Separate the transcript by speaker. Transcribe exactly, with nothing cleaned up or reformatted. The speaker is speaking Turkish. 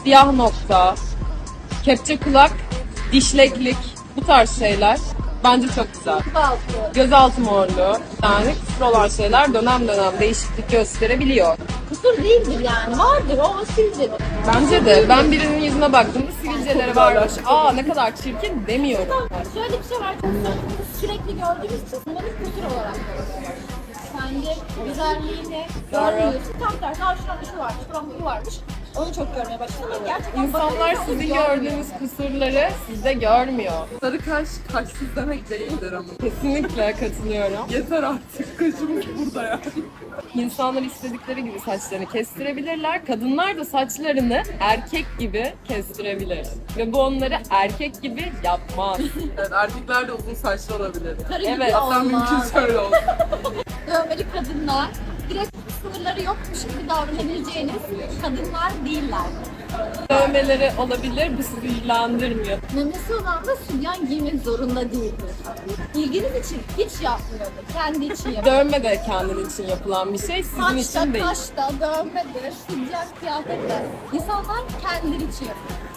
Speaker 1: siyah nokta, kepçe kulak, dişleklik, bu tarz şeyler bence çok güzel.
Speaker 2: Altı.
Speaker 1: Gözaltı morluğu, yani kusur olan şeyler dönem dönem değişiklik gösterebiliyor.
Speaker 2: Kusur değildir yani. Vardır o sivilcedir.
Speaker 1: Bence de ben birinin yüzüne baktığımda sivilceleri varmış. Aa ne kadar çirkin demiyorum.
Speaker 2: Şöyle bir şey var. Biz sürekli gördüğümüz için bunları kusur olarak görüyoruz. Kendi güzelliğini görmüyorsun. Tam tersi. Aa şurada şu varmış, şurada bu varmış. Onu çok görmeye başladım. Ama gerçekten
Speaker 1: İnsanlar
Speaker 2: bakınca
Speaker 1: sizin
Speaker 2: görmüyor.
Speaker 1: gördüğünüz kusurları sizde görmüyor.
Speaker 3: Sarı kaş kaşsız demek değildir ama.
Speaker 1: Kesinlikle katılıyorum.
Speaker 3: Yeter artık, kaşımız burada ya.
Speaker 1: İnsanlar istedikleri gibi saçlarını kestirebilirler. Kadınlar da saçlarını erkek gibi kestirebilir. Ve bu onları erkek gibi yapmaz.
Speaker 3: Evet, erkekler de uzun saçlı olabilir.
Speaker 2: Karı
Speaker 1: Evet,
Speaker 2: gibi
Speaker 3: Hatta
Speaker 2: olmaz.
Speaker 3: mümkün şöyle olsun.
Speaker 2: Dövmeli kadınlar direkt sınırları yokmuş gibi davranabileceğiniz kadınlar değiller.
Speaker 1: Dövmeleri olabilir, bu sizi ilgilendirmiyor.
Speaker 2: Memesi olan da sütyen giymek zorunda değildir. İlginiz için hiç yapmıyordur. Kendi için yapıyor.
Speaker 1: Dövme de kendin için yapılan bir şey, sizin
Speaker 2: Saçta,
Speaker 1: için değil.
Speaker 2: kaşta, dövmedir, sütyen kıyafetler. İnsanlar kendileri için yapıyor.